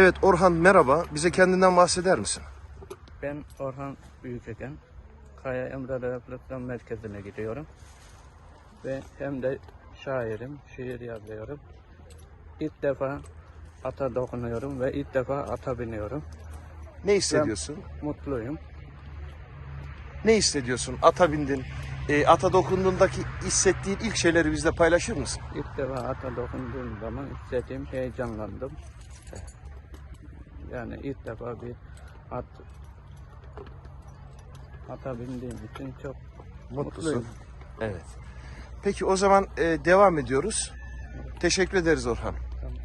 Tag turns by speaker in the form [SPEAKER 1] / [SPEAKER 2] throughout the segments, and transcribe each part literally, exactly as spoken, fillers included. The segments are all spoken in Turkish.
[SPEAKER 1] Evet Orhan, merhaba. Bize kendinden bahseder misin?
[SPEAKER 2] Ben Orhan Büyükeken, Kaya Emre Rehabilitasyon Merkezi'ne gidiyorum. Ve hem de şairim, şiir yazıyorum. İlk defa ata dokunuyorum ve ilk defa ata biniyorum.
[SPEAKER 1] Ne hissediyorsun?
[SPEAKER 2] Ben mutluyum.
[SPEAKER 1] Ne hissediyorsun? Ata bindin. E, ata dokunduğundaki hissettiğin ilk şeyleri bizle paylaşır mısın?
[SPEAKER 2] İlk defa ata dokunduğum zaman hissettiğim heyecanlandım. Yani ilk defa bir at ata bindiğim için çok
[SPEAKER 1] Mutlusun.
[SPEAKER 2] mutluyum.
[SPEAKER 1] Evet. Peki o zaman e, devam ediyoruz. Teşekkür ederiz Orhan.
[SPEAKER 2] Tamam.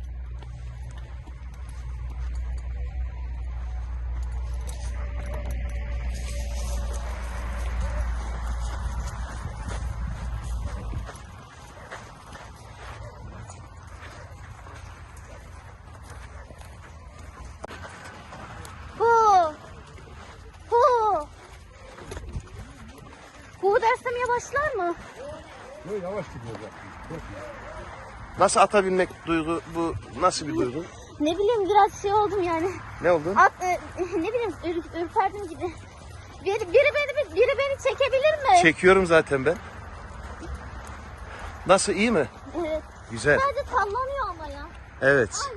[SPEAKER 3] Hu. Hu. Hu dersem yavaşlar mı?
[SPEAKER 4] Yok, yavaş gidiyor zaten.
[SPEAKER 1] Nasıl ata binmek duygu? Bu nasıl bir duygu?
[SPEAKER 3] Ne bileyim biraz şey oldum yani.
[SPEAKER 1] Ne oldu?
[SPEAKER 3] At, e, ne bileyim ür, ürperdim gibi. Biri, biri beni biri beni çekebilir mi?
[SPEAKER 1] Çekiyorum zaten ben. Nasıl, iyi mi?
[SPEAKER 3] Evet.
[SPEAKER 1] Güzel.
[SPEAKER 3] Sadece sallanıyor ama ya.
[SPEAKER 1] Evet.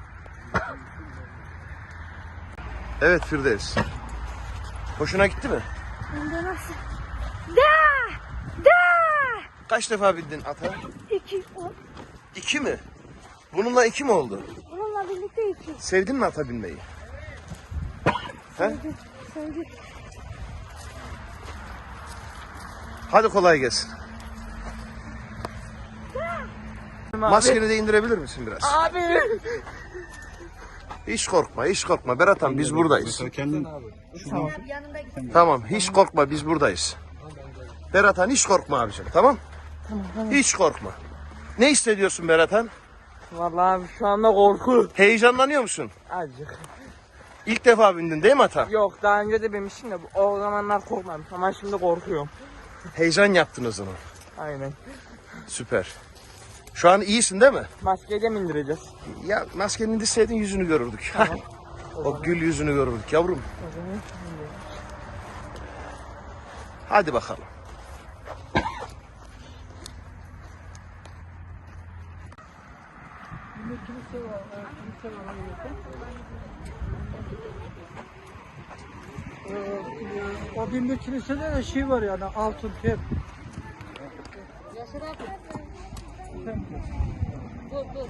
[SPEAKER 1] Evet Firdevs. Hoşuna gitti mi?
[SPEAKER 3] Hem de nasıl? Da! Da!
[SPEAKER 1] Kaç defa bindin ata?
[SPEAKER 3] İki. O.
[SPEAKER 1] İki mi? Bununla iki mi oldu?
[SPEAKER 3] Bununla birlikte iki.
[SPEAKER 1] Sevdin mi ata binmeyi? He?
[SPEAKER 3] Sevdim. Sevdim.
[SPEAKER 1] Hadi kolay gelsin. Maskeni de indirebilir misin biraz?
[SPEAKER 2] Abi!
[SPEAKER 1] Hiç korkma, hiç korkma. Berathan, biz buradayız.
[SPEAKER 4] Kendin
[SPEAKER 1] Tamam, hiç korkma, biz buradayız. Berathan, hiç korkma abicim, tamam? Hiç korkma. Ne hissediyorsun Berathan?
[SPEAKER 2] Vallahi abi şu anda korku.
[SPEAKER 1] Heyecanlanıyor musun?
[SPEAKER 2] Azıcık.
[SPEAKER 1] İlk defa bindin değil mi ata?
[SPEAKER 2] Yok daha önce de binmiştim de o zamanlar korkmadım ama şimdi korkuyorum.
[SPEAKER 1] Heyecan yaptın o zaman.
[SPEAKER 2] Aynen.
[SPEAKER 1] Süper. Şu an iyisin değil mi?
[SPEAKER 2] Maskeyi de mi indireceğiz?
[SPEAKER 1] Ya maskeni indirseydin yüzünü görürdük. O gül yüzünü görürdük yavrum. Hadi bakalım.
[SPEAKER 4] o binli kilisede de şey var yani altın tep.